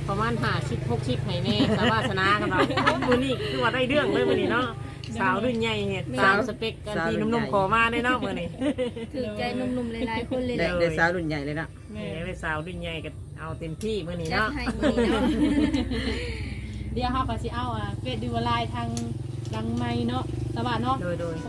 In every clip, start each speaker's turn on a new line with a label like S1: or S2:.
S1: ประมาณ50-60ให้แน่สาวาสนากันเนาะมื้อนี้คือว่าได้เรื่องเลยมื้อนี้เนาะสาวรุ่นใหญ่เฮ็ดตามสเปคกันที่หนุ่มๆขอมาได้เนาะมื้อนี้
S2: ถือใจหนุ่มๆหลายๆคนเลย
S3: ได้สาวรุ่นใหญ่เลยเนาะ
S1: ได้สาวรุ่นใหญ่ก็เอาเต็มที่มื้อนี้เนาะ
S4: เดี๋ยวเฮาก็สิเอาเฟซดูไลน์ทางดังไม้เนาะสวัสดีเนาะ
S1: โดย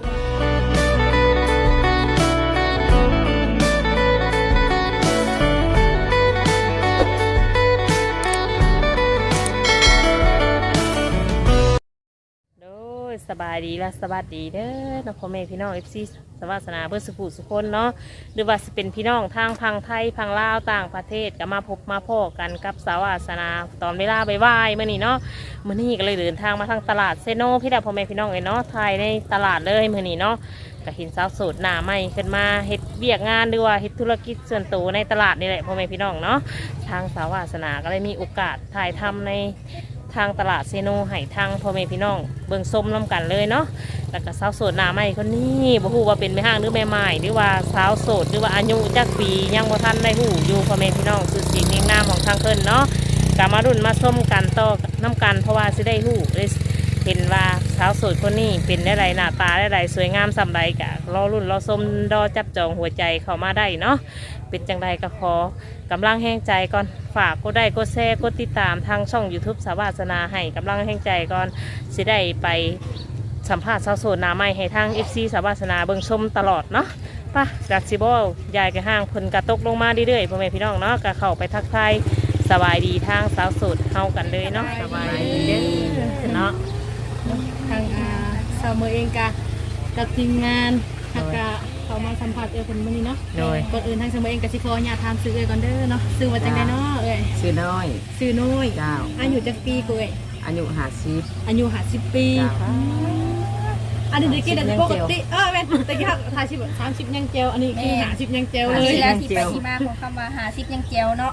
S1: สบายดีและสวัสดีเด้อน้องพ่อแม่พี่น้อง FC สวัสนาเพื่อสุขสุขคนเนาะหรือว่าจะเป็นพี่น้องทางพังไทยพังลาวต่างประเทศก็มาพบมาพ่อกันกับสาวาสนาตอนเวลาบ่ายๆเมื่อนี้เนาะมื่อนี้ก็เลยเดินทางมาทางตลาดเซโนพี่ดาพ่อแม่พี่น้องเนาะไทยในตลาดเลยมื่อนี้เนาะก็เห็นสาวโสดหน้าใหม่ขึ้นมาเฮ็ดเบียกงานหรือว่าเฮ็ดธุรกิจส่วนตัวในตลาดนี่แหละพ่อแม่พี่น้องเนาะทางสาวาสนาก็เลยมีโอกาสถ่ายทำในทางตลาดเซโนให้ทางพ่อแม่พี่น้องเบิ่งส้มน้ำกันเลยเนาะแล้วก็สาวโสดหน้าใหม่คนนี้บ่ฮู้ว่าเป็นแม่ห้างหรือแม่ไม้หรือว่าสาวโสดหรือว่าอายุจักปียังบ่ทันได้ฮู้อยู่พ่อแม่พี่น้องชื่อเสียงเรียงนามของทางเพิ่นเนาะก็มารุ่นมาส้มกันต่อน้ำกันเพราะว่าสิได้ฮู้เห็นว่าสาวโสดคนนี้เป็นได้ไรหน้าตาได้ไรสวยงามสำไรกะรอรุ่นรอส้มรอจับจองหัวใจเข้ามาได้เนาะเป็นจังใดก็ขอกำลังแห้งใจก่อนฝากกดได้กดแชร์กดติดตามทางช่อง YouTube สาวาสนาให้กำลังแห้งใจก่อนสิได้ไปสัมภาษณ์สาวโสดหน้าใหม่ให้ทาง FC สาวาสนาเบิ่งชมตลอดเนาะป่ะจากซิบอลยายกระห้างเพิ่นกระตกลงมาเรื่อยๆพ่อแม่พี่น้องเนาะก็เข้าไปทักทายสบายดีทางสาวโสดเฮากันเลยเนาะสบายดีเด้อเนาะ
S4: ทางสาวเมืองเองกับทีมงานกะเขามาสัมผัสคนมื้อนี้เนาะก่อนอื่นทางสาวเมืองเองกับสิขอญาติถามซื้อก่อนเด้อเนาะซื้อมาจังได๋เนาะ
S3: ซื้อน้อย
S4: เจ้าอายุจักปีกู
S3: อายุ50
S4: อายุ50ปีอันนี้ได้กี่เดือนปกติแม่นตะกี้ถ่าย30ยังเจลอันนี้คือ50ยังเจลเลย
S2: แล้วที่ไปที่มาของคำว่า50ยังเจลเนาะ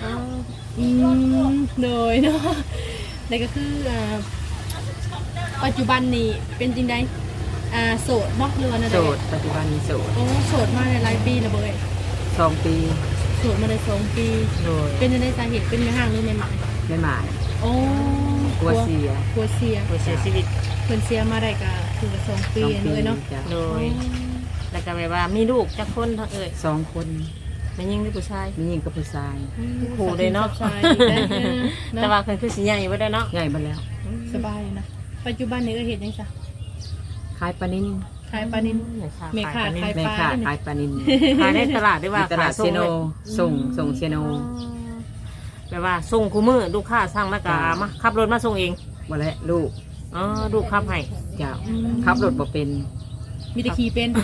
S4: โดยเนาะนี่ก็คือปัจจุบันนี้เป็นจริงได้โสดเนาะหรือว่าอะไร
S3: โสดปัจจุบันนี้โสด
S4: โสดมาในหลายปีแล้วเบ้ย
S3: 2 ปี
S4: โสดมาได้2 ปีเป็นในสาเหตุเป็นแม่ห้างหรือแม่หมาย
S3: แม่หมาย
S4: โอ้
S3: กลัวเสีย
S1: ชีวิต
S4: เพิ่นเสียมาได้ก็คือ2 ปีเลยเนาะ
S1: โดยแล้วก็แบบว่ามีลูกจักคนทั้ง
S3: 2 คน
S1: แม่ยิงหรือผู้ชาย
S3: แม่ยิงกับผู้ชาย
S1: คู่เลยเนาะแต่ว่าเพิ่นคือสิใหญ่บ่ได้เนาะ
S3: ใหญ่บ่แล้ว
S4: สบายนะปัจจุบันนี้เฮ็ดจังซะ
S3: ขายปลานิล
S4: แม่ค้าขายป
S3: ลานิล
S1: ขายในตลาดหรือว่า
S3: ตลาดเซโนส่งเซโน
S1: แบบว่าส่งคู่มือลูกค้าสั่งแล้วก็มาขับรถมาส่งเอง
S3: บ่แล้วลูก
S1: ลูกขับให้
S3: เจ้าขับรถบ่เป็น
S4: มีแต่ขี่เป็น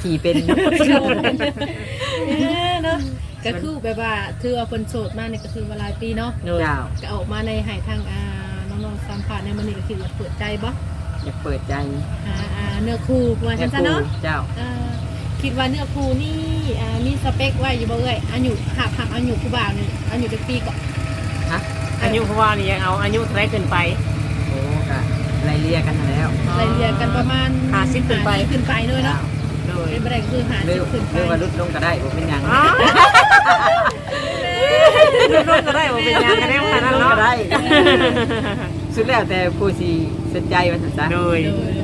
S4: เนาะก็คือแบบว่าถือว่าคนโสดมากเนี่ยก็คือเวลาปีเนาะก็ออกมาในหายทางน้องๆสัมภาษณ์ในมันนี่ก็คือเปิดใจบ่
S3: อยากเปิดใจ
S4: เนื้อคู่ว่าฉันซะเนาะ
S3: เจ้า
S4: คิดว่าเนื้อคู่นี่มีสเปคไว้อยู่บ่เอ่ยอายุหักอายุคู่บ่าวนี่อายุจักปีก่อน
S1: ฮะอายุคู่บ่าวนี่ยังเอาอายุเท่าไรขึ้นไป
S3: โอ้ก็ไล่เลี่ยกันแล้ว
S4: ไล่เลี่ยกันประมาณ
S1: 50ขึ้น
S4: ไปเลยเนาะโดยเป็นบ่ได้คือ50ขึ้นไป
S3: หรือว่าลดลงก็ได้บ่เป็นหยัง
S1: ลดลงก็ได้บ่เป็นหยังก็ได้ขนาดนั้นเนาะ
S3: ได้สุดแล้วแต่ผู้สิสนใจว่าซั่นซะ
S1: โดย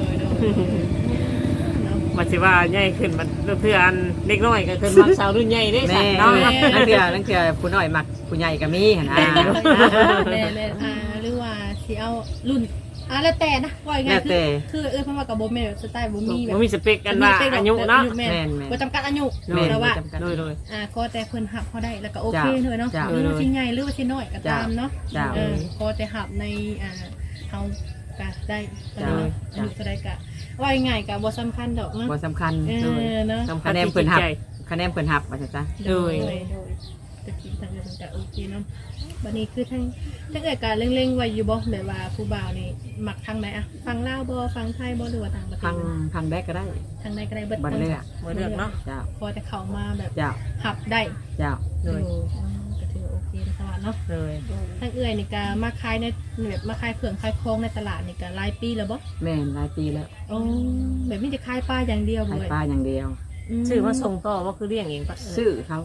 S1: มันสิว่าใหญ่ขึ้นมันเพื่อนเด็กน้อยก็ขึ้นมักสาวรุ่นใหญ่ได้สั่นเนาะ
S3: นั่นคือผู้น้อยมักผู้ใหญ่ก็มีหั่นนะ
S4: แม่หรือว่าสิเอารุ่นแล้วแต่นะว่าไงคือเพิ่นว่ากับโบแม่สไตล์โบ
S1: มีสเปคกันว่าอายุเนาะ
S4: บ่จำกัดอายุแต่ว่าก็แต่เพิ่นหับเขาได้แล้วก็โอเคเลยเนาะหรือว่าชิ้นใหญ่หรือว่าชิ้นน้อยก็ตามเนาะก็แต่หับในเฮาก็ได้อายุก็ได้ก็ว่าง่ายก็บ่สำคัญดอกเนาะ
S3: บ่สำคัญเนาะคะแนนเพิ่นหับว่าซั่นซะ
S4: โดยตะกี้ทางเพิ่นก็โอเคเนาะบัดนี้คือทั้งเกิดการเร่งๆไว้อยู่บ่แบบว่าผู้บ่าวนี่มักทางไหนอะฟังลาวบ่ฟังไทยบ่หรือว่าต่างประเทศ
S3: ทางใดก็ได้
S4: ทางใดก็ได้เบิด
S3: เลื
S1: อกเนาะ
S4: พอแต่เข้ามาแบบหับได้เลยก็ถือโอเคนะคะเนาะ
S1: เลย
S4: ทั้งนี่ก็มาขายในแบบมาขายเครื่องขายของในตลาดนี่ก็หลายปีแล้วบ่
S3: แม่นหลายปีแล้ว
S4: อ๋อแบบนี้จะขายปลาอย่างเดียว
S3: ขายปลาอย่างเดียว
S1: ซื้อมาส่งต่อว่าคือเลี้ยงเองปะ
S3: ซื้อเขา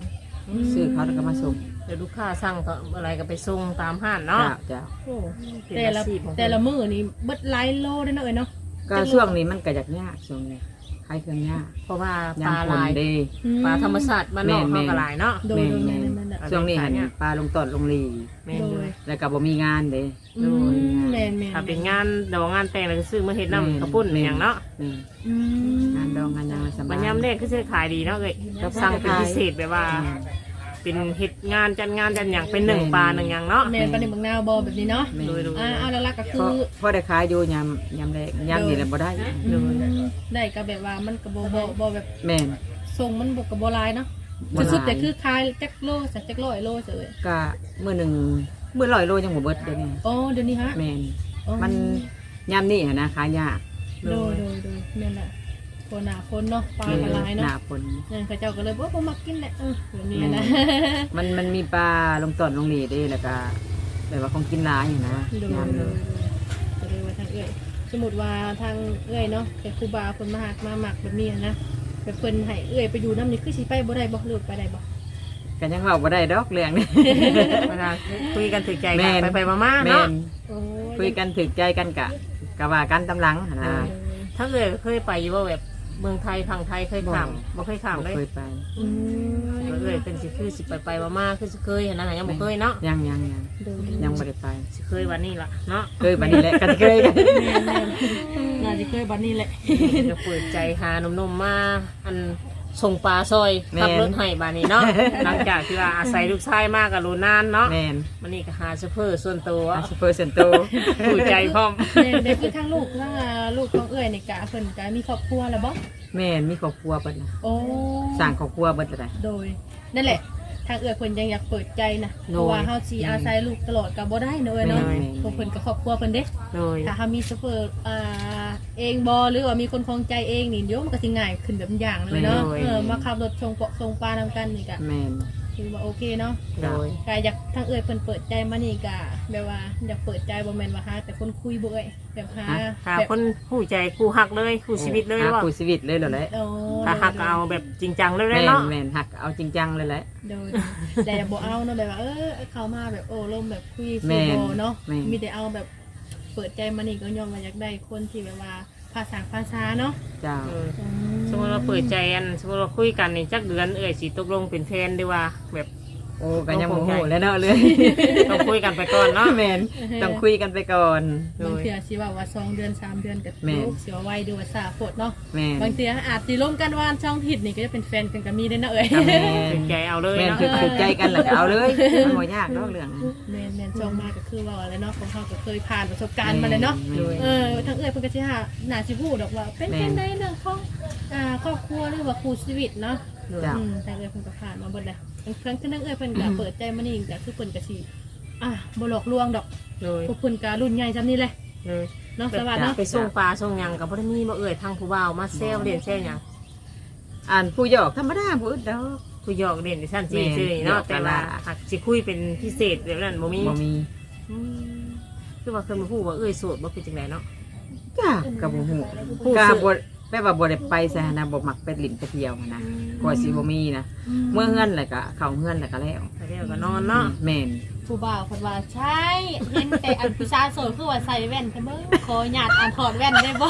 S3: ซื้อเขาแล้วก็มาส่ง
S1: เดี๋ยวลูกค้าสั่งก็อะไรก็ไปส่งตามห้านเนาะ
S3: เจ้า
S1: โอ้เป็น
S4: แต่
S1: อา
S4: ละ
S1: ชีพของ
S4: แต่ละมื้อนี่เบิดหลายโลได้เนาะเอ้ยเนาะ
S3: ก็ช่วงนี้มันก็ยากช่วงนี้ขายเครื่องยาก
S1: เพราะว่าป
S3: ยา
S1: ลาม
S3: ฝ
S1: ลาน ย
S3: เด้
S1: ปลาธรรมชาติบ้านนอก
S3: แม่
S1: เขา
S3: น
S1: ก็หลายเนาะ
S4: โดยแม่นๆ
S3: ช่วงนี้หันปลาลงตอดลงลี
S1: แม่นอยู่
S3: แล้วก็บ่มีงานเด้
S4: แม่นๆ
S1: ถ้าเป็นงานดอกงานแต่งแล้วก็ซื้อมาเฮ็ดน้ำกระปุ้นอย่างเนาะ
S3: นี่
S4: อืม
S3: งานดองงานยังสบา
S1: บั
S3: ย
S1: ญญัติแรกก็จะขายดีเนาะเลยสั่งเป็นพิเศษแบบว่า เป็นเฮ็ดงานจัดอย่างเป็นหนึ่งปลาหนึ่งอย่างเนาะ
S4: แม่นปลาหนึ่งบางนาวบ่แบบนี้เนาะ
S1: โดย
S4: เอาหลักๆก็คื
S3: เพราะ
S4: อ
S3: พอได้ขายอยู่ยามแรกยามนี่แหละบ่ได้
S4: ได้ก็แบบว่ามันก็บ่แบบ
S3: แม่น
S4: ทรงมันบ่ก็บ่หลายเนาะ
S3: บ่หลาย
S4: สุดๆแต่คือขายจักโลสักจักร้อยโลเฉย
S3: ก็มื้อหนึงมื้อ100 โลยังบ่เบิดเด้นี่
S4: อ๋อเดี๋ยวนี้ฮะ
S3: แม่น
S4: อ๋อ
S3: มันยามนี้นะขายยาก
S4: โดยแม่นน่ะคนหนาคนเนาะปลาก็หลาย
S3: ห
S4: เนาะ
S3: น้าฝน
S4: นั่นเขาเจ้าก็เลยบ่มักกินแหละแบบนี้นะ
S3: มันมีปลาลงตอดลงลีเด้แล้วก็แบบว่าของกินหลายอยู่นะ
S4: โดย
S3: ยาม
S4: โด
S3: นี้
S4: ยก็เลยว่าทางเอื้อยสมมุติว่าทางเอื้อยเนาะเป็นครูบาเพิ่นมาหักมาหมักแบบนี้นะแบบเพิ่นให้เอื้อยไปอยู่น้ำนี่คือสิไปบ่ได้บ่หรือไปได้บ่
S3: ก็ยังเว้าบ่ได้ดอกเรื่องนี้
S1: เวลาคุยกันถึกใจ
S3: แม่
S1: กัน
S3: น
S1: ไปๆมาๆ
S3: แม่
S1: เนาะ
S3: น
S4: โอ้
S3: คุยกันถึกใจกันกะว่ากันตำหลังหั่นนะ
S1: ถ้าเคยไปอยู่ว่าแบบเมืองไทยฝั่งไทยเคยข้ามบ่เคยข้ามเลย
S3: เคยไป
S4: อืม
S1: เลยเป็นสิคือสิไปมาๆคือสิเคยนะยังบ่เคยเนาะ
S3: ยัง
S4: โดย
S3: ยังบ่ได้ไป
S1: สิเคยวันนี้ล่ะเนาะ
S3: เคยบัดนี้แหละก็เคยกัน
S4: แม่นน่าจะเคยบัดนี้แหละ
S1: จะเปิดใจหาหนุ่มๆมาอันส่งปลาซอยขับรถให้บานนี้เนาะ หลังจากที่ว่าอาศัยลูกชายมากกับลูนานเนาะ
S3: แม่น
S1: มันนี่ก็หาเชฟเฟอร์ส่วนตัว
S3: ซูเปอร์เซนโต
S1: ผู้ใจพร้อม
S4: เด็กคือทั้งลูกทั้งลูกของเอื้อยนี่กะเพิ่นกะมีครอบครัวแล้วบ่
S3: แม่นมีครอบครัวเบิดนะ
S4: โอ้
S3: สร้างครอบครัวเบิดได้
S4: โดยนั่นแหละทางเอื้อยเพิ่นยังอยากเปิดใจนะเพราะว่าเฮาสิอาศัยลูกตลอดก็บ่ได้เนอะเนาะเพราะเพิ่นก็ครอบครัวเพิ่นเด้
S1: โดย
S4: ถ้าเฮามีเชฟเฟอร์เองบ่หรือว่ามีคนคงใจเองนี่เดี๋ยวมันก็สิง่ายขึ้นแบบอย่างเลยเนาะมาขับรถส่งปลานำกันนี่ก็
S3: แม่น
S4: คือว่าโอเคเนาะ
S1: โดย
S4: กอยากทางเอื้อยเพิ่นเปิดใจมานี่กะแบบว่าอยากเปิดใจบ่แม่นว่าหาแต่คนคุยบ่เอ้ยแบบหา
S1: หา
S4: แบบ
S1: คนผู้ใจคู่หักเลยคู่ชีวิตเลยว่า
S3: คู่ชีวิตเลยเหรอแหละ
S4: โอ้
S1: ถ้าหักก็เอาแบบจริงจังเลย
S3: แม่น
S1: เนาะ
S3: แม่นหักเอาจริงจังเลยแหละ
S4: โดยแต่บ่เอาเนาะแบบว่าเขามาแบบโอ้ลมแบบคุย
S3: แม่
S4: คุย
S3: น
S4: บ่เนาะ
S3: แม่น
S4: มีแต่เอาแบบเปิดใจมานี่ก็ยอมว่าอยากได้คนที่แบบว่าภาษาเนาะ
S3: เจ้า
S1: เออสมมติว่าเปิดใจอันสมมติว่าคุยกันนี่จักเดือนสิตกลงเป็นแฟนดีว่าแบบ
S3: โอ้ก็ยังโมโหแล้วเนาะเลย
S1: ต้องคุยกันไปก่อนเนาะ
S3: แม่นต้องคุยกันไปก่อน
S1: โด
S4: บาง
S1: ย
S4: เทื่อสิว่า2เดือน3เดือนก็
S3: แม่น
S4: ลูกสิว่าไวดูว่าซาโพดเนาะ
S3: แม่น
S4: บางเทื่ออาจสิร่วมกันว่าช่องผิดนี่ก็จะเป็นแฟนกันก็มีได้เนาะเอ้ย
S3: ก็แม่
S1: ถึงใจเอาเลย
S3: แม่น
S1: เนาะ
S3: คือใจกันแล้วก็เอาเลยมันบ่ยากดอกเรื่องนั้น
S4: แม่นช่องมาก็คือว่าอะไรเนาะของเขาก็เคยผ่านประสบการณ์มาเลยเนาะ
S3: แม่น
S4: ทั้งเอ้ยเพิ่นก็สิหาหน้าสิพูดดอกว่าเป็นจังไดเรื่องของครอบครัวหรือว่าคู่ชีวิตเนาะ
S3: จ้ะ
S4: ทางเอ้ยเพิ่นก็ผ่านมาเบิดแล้วครั้งที่นั่งเอ้ยเพิ่นก็เปิดใจมานี่ก็คือเพิ่นก็สิบ่หลอกลวงดอก
S1: โดย
S4: พวกเพิ่นก็รุ่นใหญ่ซำนี้แหละ
S1: โดย
S4: เนาะสวัสดีเนาะ
S1: ไปส่งปลาส่งหยังกับพ่อมีบ่ทางผู้บ่าวมาเซลเด่นเซลหยัง
S3: อ่านผู้หยอกธรรมดาผู้อื่นดอก
S1: ผู้หยอกเด่นดิฉันจี
S3: แม่น
S1: ซื่อเนาะ
S3: หยอก
S1: แต่ว่า
S3: ตลาด
S1: หักสิคุยเป็นพิเศษแบบนั้นบ่มี
S3: บ่มี
S1: อืมคือว่าเคยมาพูดว่าโสดบ่คือจังไดเนาะ
S3: จ้ากับบ่ฮู้
S1: ผู้
S3: กา
S1: ซื้อ
S3: บ่แปลว่าบ่ได้ไปซะนะบ่มักไปลิ้นไปเที่ยวนะกว่าสิบ่มีนะเมื่อเฮือนแล้วก็เข้าเฮือนแล้วก็แล้ว
S1: ไปเรียกก็นอนเนาะ
S3: แม่น
S4: ผู้บ่าวเพิ่นว่าใช่เห็นแต่อันผู้ชายโสดคือว่าใส่แว่นแต่เบิ่งขอญาตอันถอดแว่นได้บ่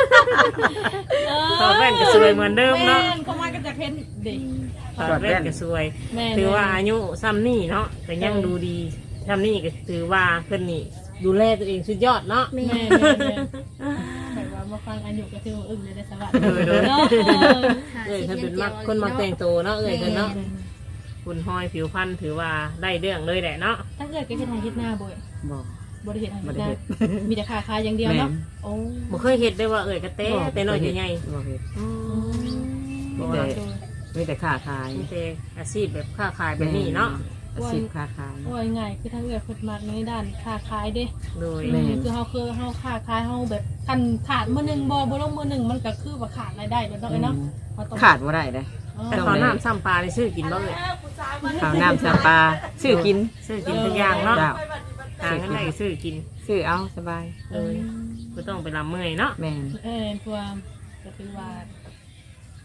S1: ถอดแว่นก็สวยเหมือนเดิมเนาะ
S4: แม่นเข้ามาก็จะเห็นเด็ก
S1: ถอดแว่นก็สวย
S4: แม่น
S1: ถือว่าอายุซ้ำนี่เนาะแต่ยังดูดีซ้ำนี่ก็ถือว่าเพิ่นนี่ดูแลตัวเองสุดยอดเนาะ
S4: แม่แต่ว่ามาฟังอายุก็ถือว่าอึ้งเลยได้สวัส
S1: เออเด้อ
S4: เนาะ
S1: เอ้ยถ้าเป็นมักคนมักแต่งตัวเนาะเอ้ยเพิ่นเนาะคุณห้อยผิวพรรณถือว่าได้เรื่องเลยแหละเนาะ
S4: ถ้าเกิดก็เฮ็ดให้เฮ็ดหน้าบ่อย
S3: บ่
S4: บ่ได้เฮ็ดให้
S3: บ่
S4: เฮ็ด
S3: ได้
S4: หน้า
S3: เฮ็ด
S4: มีแต่ขาอย่างเดียวเนาะ
S3: แม่น
S4: โอ้
S1: บ่เคยเห็นได้ว่าเอ้ยกระเต้แต่น้อยใหญ่
S3: บ่เฮ็ด
S1: ๆอืม
S3: มี
S1: บ่
S3: แต่
S1: ว่า
S3: มีแต่ค้าขาย
S1: มีแต่อาชีพแบบค้าขายแบบนี้เนาะ
S3: อาชีพค้าขาย
S4: ว่าง่ายๆคือถ้าเกิดเพิ่นมักในด้านค้าขายเด้
S1: โดย
S3: แม่
S4: คือเฮาค้าขายเฮาแบบคันขาดมื้อนึงบ่ลงมื้อนึงมันก็คือว่าขาดรายได้แล้วเนาะเนาะเฮต้อง
S3: ขาดบ่ได้เด้
S1: แต่ขอน้ำซ้ำปลาในซื้อกินบ่เอ้ย
S3: ข้าวน้ำสปลาซื้อกิน
S1: ซื้อกินทุกอย่างเนาะ
S3: เจ้า
S1: หาเงินได้ก็ซื้อกิน
S3: ซื้อเอาสบาย
S1: เลยก็ต้องไปลำเมื่อยเนาะ
S3: แม่น
S4: ตัวก็คือว่า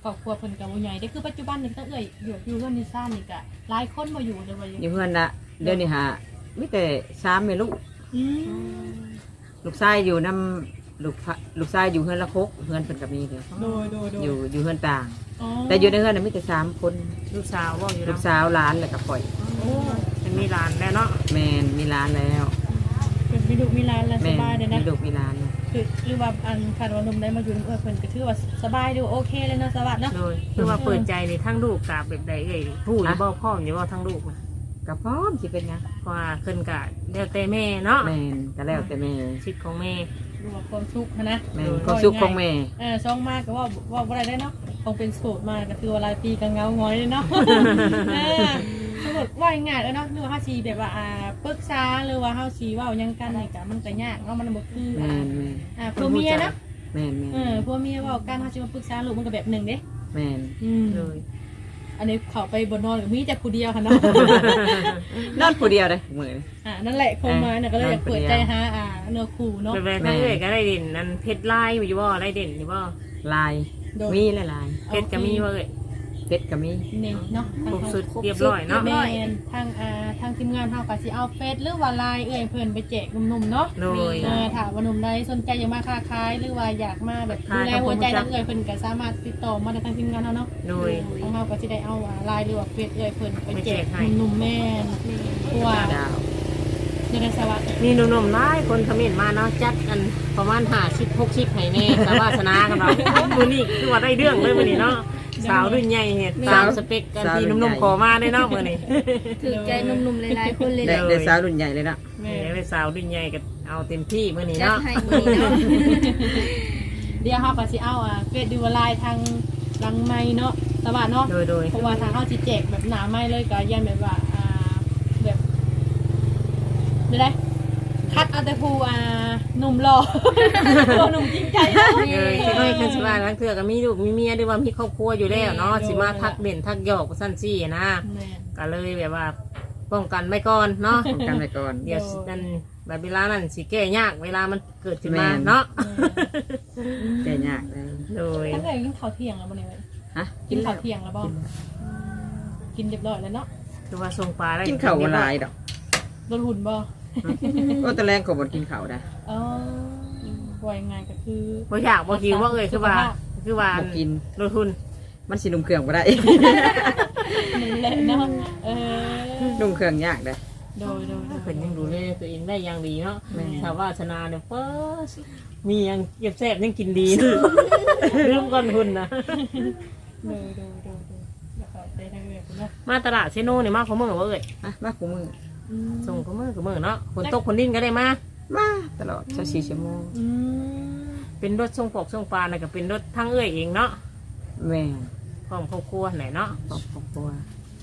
S4: ครอบครัวเพิ่นก็บ่ใหญ่ได้คือปัจจุบันนี่ก็อยู่เฮือนนี่ซ่านนี่ก็หลายคนบ่อยู่เลยว่าอยู่
S3: อยู่เพื่อนละเดี๋ยวนี้หามีแต่3แม่ลูก
S4: อืม
S3: ลูกชายอยู่นำลูกชายอยู่เฮือนละคกเฮือนเพิ่นก็มีเด้อ
S4: โดย
S3: อยู่เฮือนต่าง
S4: อ๋อ
S3: แต่อยู่ในเฮือนน่ะมีแต่3คน
S1: ลูกสาวบ่อยู่
S3: ลู
S1: เนาะ
S3: กสาวหลานแล้วก็ข่อย
S4: โอ้
S1: เป็นมีหลานแล้วเนาะ
S3: แม่นมีหลานแล้ว
S4: เป็นมีลูกมีหลานแล้วส
S3: แม่น
S4: บายเลยนะ
S3: มีลูกมีหลานแล้ว
S4: คือหรือว่าอันคันว่าหนุ่มได้มาอยู่นำเพิ่นก็ถือว่าสบายดูโอเคเลยเนาะสวัสดีเนาะ
S1: โดยคือว่าเปิดใจในทั้งลูกกับแบบใดเอ่ยผู้อยู่บ่พ่อมอยู่บ่ทั้งลูกนะ
S3: ก็พร้อมสิเป็นหยัง
S1: เพราะว่าขึ้นกะแล้วแต่แม่เนาะ
S3: แม่นก็แล้วแต่แม่
S1: ชิดของแม่
S4: ดูว่าความสุขนะ
S3: แม่นความสุขของแม่
S4: ช่องมากก็ว่าอะไรได้เนาะคงเป็นโสดมาก็คือว่าหลายปีก็เงาง้อยเลยเนาะสมมติว่าง่ายแล้วเนาะหรือว่าเฮาสิแบบว่าปรึกษาหรือว่าเฮาสิเว้าหยังกันนี่ก็มันก็ยากเนาะมันบ่คือ
S3: แม่นแม่น
S4: ผัวเมียเนาะ
S3: แม่นแม่น
S4: ผัวเมียเว้ากันเฮาสิมาปรึกษาลูกมันก็แบบหนึงเด้
S3: แม่น
S1: เลย
S4: อันนี้เขาไปบนนอนกับมีแต่ผู้เดียวค่ะเนาะ
S3: นอนผู้เดียวเลยมื้อนี้
S4: นั่นแหละคงมาเนี่ยก็เลยอยากเปิดใจหาเนื้อคู่เนาะ
S1: แบบทั้งเอ่ยก็ได้เด่นนั่นเพชรลายอยู่บ่ได้เด่นอยู่บ่
S3: ลายมีหลาย
S1: เพชรก็มีบ่เอ่ย
S3: ๆเพชรก็มี
S4: นี่เนาะ
S1: ครบสุดเรียบร้อยเนาะ
S4: แม่นทางทีมงานเฮาก็สิเอาเฟซหรือว่าไลน์เพิ่นไปแจกหนุ่มๆเนาะ
S1: โดย
S4: ถ้าว่าหนุ่มใดสนใจอยากมาค้าขายหรือว่าอยากมาแบบดูแลหัวใจทางเพิ่นก็สามารถติดต่อมาได้ทางทีมงานเฮาเนาะ
S1: โดย
S4: ทางเฮาก็สิได้เอาไลน์หรือว่าเฟซเพิ่นไปแจกหนุ่มๆแม่นเพราะว่า
S3: ดาว
S4: จะได้สวัสดิ์
S1: มีหนุ่มๆหลายคนคอมเมนต์มาเนาะจัดกันประมาณ50 60ให้แน่สาวาสนากันเรามื้อนี้คือว่าได้เรื่องเลยมื้อนี้เนาะสาวรุ่นใหญ่เฮ็ดตามสเปคกันที่หนุ่มๆขอมาได้เนาะมื้อนี้
S2: ถือใจหนุ่มๆหลายๆคนเลย
S3: ได้สาวรุ่นใหญ่เลยนะ
S4: แม่
S1: ได้สาวรุ่นใหญ่ก็เอาเต็มที่มื้อนี้
S2: จัด
S1: เนาะ
S2: ให้มื้อนี้เนาะ
S4: เดี๋ยวเฮาก็สิเอาเฟซดูไลน์ทางหลังไม้เนาะสวัสดิ์เนาะ
S1: โดย
S4: เพราะว่าทางเฮาสิแจกแบบหนาไม้เลยก็ยันแบบว่าแบบได้คัดเอาแต่ผู้หนุ่มหล่อ ตัวหนุ่มจริงใจเนาะ
S1: เลยที่น้อยคันสิว่าทั้งเทื่อก็มีลูกมีเมียหรือว่ามีครอบครัวอยู่แล้วเนาะสิมาทักเด่นทักหยอกซั่นซี่นะ
S4: แม่น
S1: ก็เลยแบบว่าป้องกันไว้ก่อนเนาะ
S3: ป้องกันไว้ก่อน
S1: เดี๋ยวนั่นแบบเวลานั้นสิแก้ยากเวลามันเกิดขึ้นมา
S3: แม่น
S1: เนาะ
S3: แก่ยากเลย
S1: โดย
S4: ตั้งแต่กินข้าวเที่ยงแล้วบ่เนี่ยเว้ย
S3: ฮะ
S4: กินข้าวเที่ยงแล้วบ่กินเรียบร้อยแล้วเนาะ
S1: คือว่าทรงปลาได้
S3: กินข้าวบ่หลายดอก
S4: ลดหุ่นบ่
S3: ก็ตะแรงก็บ่กินข้าวได้
S4: อ๋อว่ายังไงก็คือ
S1: บ่อยากบ่หิวบ่เอ่ยคือว่า
S3: บ่กิน
S1: ลดทุน
S3: มันสินุ่มเครื่องบ่ได้
S4: นั่นแหละเนาะ
S3: นุ่มเครื่องยากเด้อ
S4: โดย
S1: เพิ่นยังดูแลตัวเองได้อย่างดีเนาะ
S3: แม่
S1: ชาววาสนาเนี่ยเฟ้อมียังเก็บแซ่บยังกินดีลืมก่อนหุ่นนะ
S4: แล้วก็ไปทางเรือเนาะ
S1: มาตลาดเซโนเนี่ยมาขอมือบ่เอ่ย
S3: ฮะมาคู่มือ
S1: ส่งขอมือเนาะฝนตกฝนดิ้นก็ได้มา
S3: มาตลอด24ชั่วโมง
S1: เป็นรถส่งปอกส่งปลาน่ะก็เป็นรถทั้งเอ่ยเองเนาะ
S3: แม่
S1: พร้อมครอบครัวไหนเนาะ
S3: ครอบครัว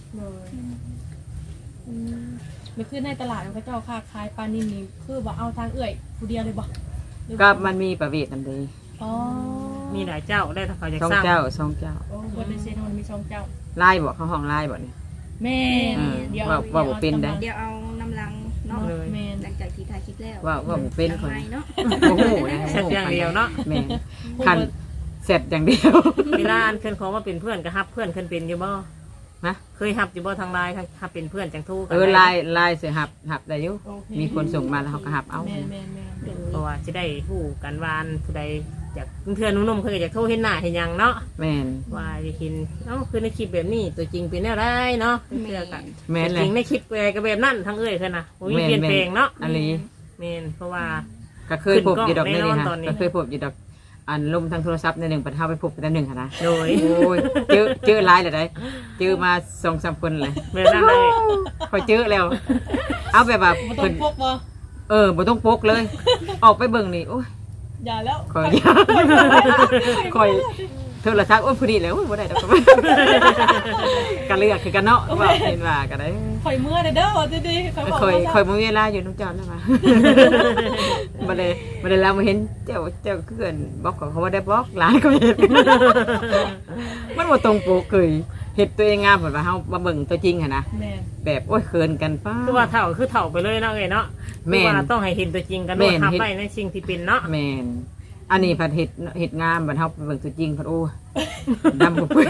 S4: มันคือในตลาดมันก็เจ้าค้าขายปลานิ่มนี่คือว่าเอาทางเอื่อยผู้เดียวเลยบ่
S3: ก็มันมีประเวทนำเด้
S4: อ๋อ
S1: มีหลายเจ้าได้ถ้าเขาจะ
S3: สอง
S1: สร้าง
S3: เจ้าสองเจ้า
S4: โอ้บนในเซโนมีช่องเจ้า
S3: ไล่บ่เขาห้องไล่บ่เนี่ย
S4: แม่
S2: เดี๋ยว
S3: ว่าบ่เป็นได้
S2: เดี๋ยวเอาน้ำลังเนาะ
S4: แม่
S2: หลังจากที่ถ่ายคลิปแล้ว
S3: ว่าบ่เป็นคน
S2: ไม้เนาะ
S3: โอ้โหนะ
S1: แซ่บอย่างเดียวเนาะ
S3: แม่คันเสร็จอย่างเดียว
S1: เวลาอันเพื่อนเขามาเป็นเพื่อนก็ฮับเพื่อนเพิ่นเป็นอยู่บ่
S3: นะ
S1: เคยฮับอยู่บ่ทางไลน์ฮับเป็นเพื่อนจังทู่กัน
S3: ไล่เสียหับได้อยู่มีคนส่งมาแล้วเขาก็หับเอา
S4: แม่
S1: เพราะว่าจะได้ฮู้กันวานผู้ใดจากเพื่อนนุ่มๆเคยอยากโทรเห็นหน้าเห็นหยังเนาะ
S3: แม่น
S1: ว่าจะเห็นคือในคลิปแบบนี้ตัวจริงเป็นแนวไรเนาะเพื่อกัน
S3: แม่น
S1: จ
S3: เล
S1: ริ
S3: ย
S1: งในคลิปก็แบบนั้นทั้งเอ้ยเพิ่นน่ะบ่มีเปลี่ยนแปลงเนาะ
S3: อันนี้
S1: แม่นเพราะว่า
S3: ก็เคยพบอยู่ดอกนี่
S1: ขึ้นกล้อง
S3: ฮะ
S1: แน่นอนตอนนี้
S3: ก็เคยพบอยู่ดอกอันลมทางโทรศัพท์ในหนึ่งปันเท่าไปพบกันหนึ่งค่ะนะ
S1: โดย
S3: โอ้ยเจอไลน์เลยได้เจอมา2-3คนเลย
S1: แบบนั้นเลย
S3: พอเจอแล้ว เอาแบบว่า
S4: บ่ต้องพกบ่
S3: บ่ต้องปกเลย ออกไปเบิ่งนี่โอ้ย
S4: อย่าแล้ว
S3: คอยโทรศัพท์โอ้ยพอดีแล้วบ่ได้ดอกกันเลือกคือกันเนาะว่าเห็นว่าก็ได้
S4: ข่อยเมื่อเด้อดีๆข่อยบอก
S3: คอยมื้อเวลาอยู่น้องจอนแล้วมาบ่ได้แล้วมาเห็นเจ้าคือเกินบอกเขาว่าได้บอกหลายก็เห็นมันบ่ตรงปกเคยเฮ็ดตัวเองงามเหมือนว่าเฮามาเบิ่งตัวจริงหั่นนะ
S4: แม่
S3: แบบโอ้ยเขินกันป้า
S1: คือว่าเฒ่าคือเฒ่าไปเลยเนาะเอ้ยเนาะ
S3: แม่น
S1: คือว่าต้องให้เห็นตัวจริงกัน
S3: แม่
S1: ด้วย
S3: น
S1: ทำไปในสิ่งที่เป็นเนาะ
S3: แม่นอันนี้ผัดเห็ดงามบัดเฮาไปเบิ่งตัวจริงผัดโอ้ดำกว่าเพิ่น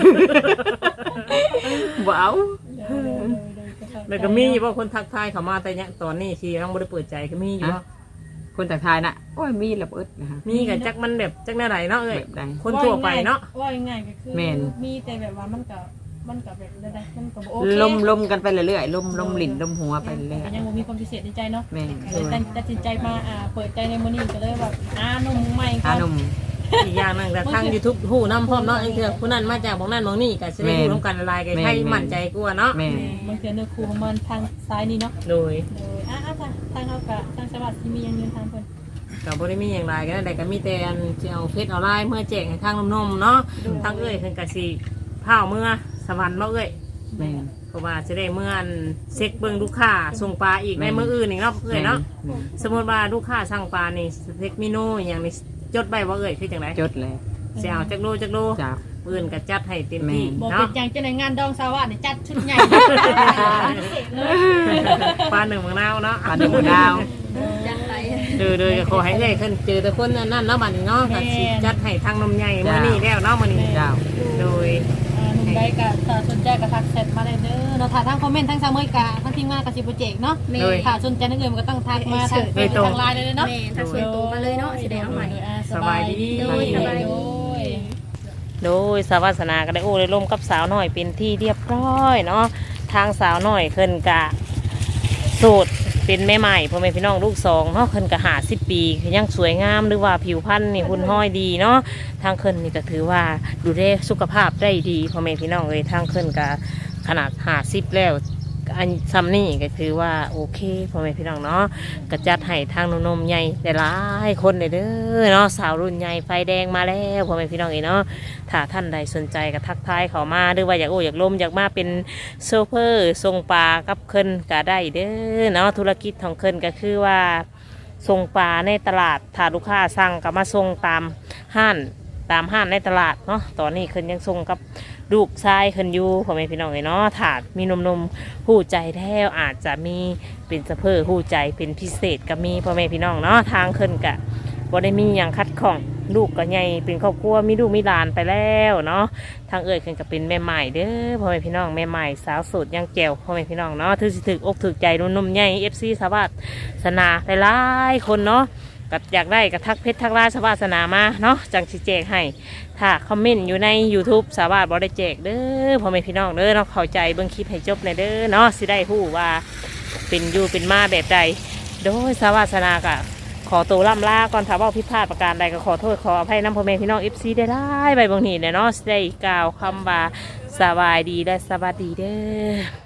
S3: บ่เอา
S1: แล้วก็มีว่าคนทักทายเขามาแต่เนี่ยตอนนี้ที่ต้องบ่ได้เปิดใจก็มีอยู่
S3: คนตักทายน่ะโอ้ยมีระเบิดนะคะ
S1: มีกับจักมันแบบจักแนวไหนเนาะเอ้ย
S3: แบบใด
S1: คนทั่วไปเนาะ
S4: ว่าง่ายๆก็คือ
S3: แม่น
S4: มีแต่แบบว่ามันก็แบบใดๆมันก็บ่โอเค
S3: ลมกันไปเรื่อยๆลมลิ้นลมหัวไปเรื่อย
S4: ก็ยังบ่มีความพิเศษในใจเนาะ
S3: แม่น
S4: เลยตัดสินใจมาเปิดใจในมื้อนี้ก็เลยแบบนมใหม่ก่
S3: อา
S4: อน
S3: นุ่ม
S1: อีกอย่างหนึงแต่ทาง YouTube ฮู้นำพร้อมเนาะไอ้เทื่อผู้นั้นมาจากบ่นั้นบ่นี้ก็สิได้ฮู้นํกันหลายๆกันให้มั่นใจกว่าเนาะ
S3: แม่น
S4: บางเทื่อเนื้อคู่ของมันทางซ้ายนี่เนาะ
S1: โดย
S4: ทางเฮาก็ทางสวัสดิ์สิมีอย่างยืนทางเพิ่น
S1: ก็บ่ได้มีอย่างไรก็ได้ก็มีแต่อันสิเอาเฟซออนไลน์เมื่อแจกให้ทางนมๆเนาะทางเอ้ยเพิ่นก็สิพาเมื่อสวรรค์เนาะเอ้ย
S3: แม่น
S1: เพราะว่าสิได้เมื่ออันเช็คเบิ่งลูกค้าส่งปลาอีกในมื้ออื่นอีกเนาะเอ้ยเนาะ
S3: แม่น
S1: สมมุติว่าลูกค้าสั่งปลานี่สเต็กเมนูอหย่างนี้จดไว้บ่เอ้ยคือจังได๋
S3: จดเลย
S1: สิเอาจักโล
S3: จ้า
S1: อื่นก็จัดให้เต็มที่
S4: บ่เป็
S1: เนาะ
S4: นอย่างจังได๋งานดองสาวะนี่จัดชุดใหญ่เลย
S1: ปลาหนึ่งมะนาวเนาะ
S3: ปลาดุกดาว
S2: จังไร
S1: โดยก็ขอให้เอ้ยเพิ่นเจอแต่คนนั่นเนาะบัดนี้เนาะก็สิจัดให้ทางนมใหญ่มื้อนี้แล้วเนาะมื้อนี้
S3: เจ้า
S1: โดย
S4: หนุ่มใดก็ถ้าสนใจก็ทักแชทมาได้เด้อเนาะถ้าทางคอมเมนต์ทางซาเมยกะทางทีมงานก็สิบ่แจกเนาะ
S2: แม่
S4: ถ้าสนใจนั่นเองมันก็ต้องทักมาทางเฟซทางไลน์เลยเนาะ
S2: แม่ถ้าส่วนตัวมาเลยเนาะสิได้เอาใหม่
S1: สบายดี
S2: โดยสบายดี
S1: โดยสาวาสนาก็ได้โอ้ได้ร่มกับสาวน้อยเป็นที่เรียบร้อยเนาะทางสาวน้อยเพิ่นกะโสดเป็นแม่ใหม่พ่อแม่พี่น้องลูกสองเนาะเพิ่นกะ50 ปียังสวยงามหรือว่าผิวพรรณนี่หุ่นห้อยดีเนาะทางเพิ่นนี่ก็ถือว่าดูแลสุขภาพได้ดีพ่อแม่พี่น้องเลยทางเพิ่นกะขนาด50แล้วอันซ้ำนี่ก็ถือว่าโอเคพ่อแม่พี่น้องเนาะก็จัดให้ทางนมใหญ่ได้หลายคนเลยเด้อเนาะสาวรุ่นใหญ่ไฟแดงมาแล้วพ่อแม่พี่น้องเนาะ ถ้าท่านใดสนใจก็ทักทายเขามาหรือว่าอยากอยากลมอยากมาเป็นโซเฟอร์ทรงปลากับเคินก็ได้เด้อเนาะธุรกิจของเคินก็คือว่าส่งปลาในตลาดถ้าลูกค้าสั่งก็มาส่งตามห้านในตลาดเนาะตอนนี้เคินยังส่งกับลูกชายเคินอยู่พ่อแม่พี่น้องเนาะถ้ามีนมหู้ใจแท้อาจจะมีเป็นโซเฟอร์หู้ใจเป็นพิเศษก็มีพ่อแม่พี่น้องเนาะทางเคินกะบ่ได้มีอย่างคัดข้องลูกก็ใหญ่เป็นครอบครัวมีลูกมีหลานไปแล้วเนาะทางเอ่ยเพิ่นก็เป็นแม่ใหม่เด้อพ่อแม่พี่น้องแม่ใหม่สาวโสดยังแจ๋วพ่อแม่พี่น้องเนาะถือสิถึกอกถึกใจนุ่มๆใหญ่ FC สวัสดิ์สนาหลายๆคนเนาะก็อยากได้ก็ทักเพชรทักลายสวัสดิ์สนามาเนาะจังสิแจกให้ถ้าคอมเมนต์อยู่ใน YouTube สวัสดิ์บ่ได้แจกเด้อพ่อแม่พี่น้องเด้อเนาะเข้าใจเบิ่งคลิปให้จบเลยเด้อเนาะสิได้ฮู้ว่าเป็นอยู่เป็นมาแบบใดโดยสวัสดิ์สนาก็ขอตัวล่ำลาก่อนถ้าว่าผิดพลาดประการใดก็ขอโทษขออภัยน้ำพ่อแม่พี่น้อง FC ได้ใบบางทีเนี่ยเนาะได้กล่าวคำว่าสบายดีและสวัสดีเด้อ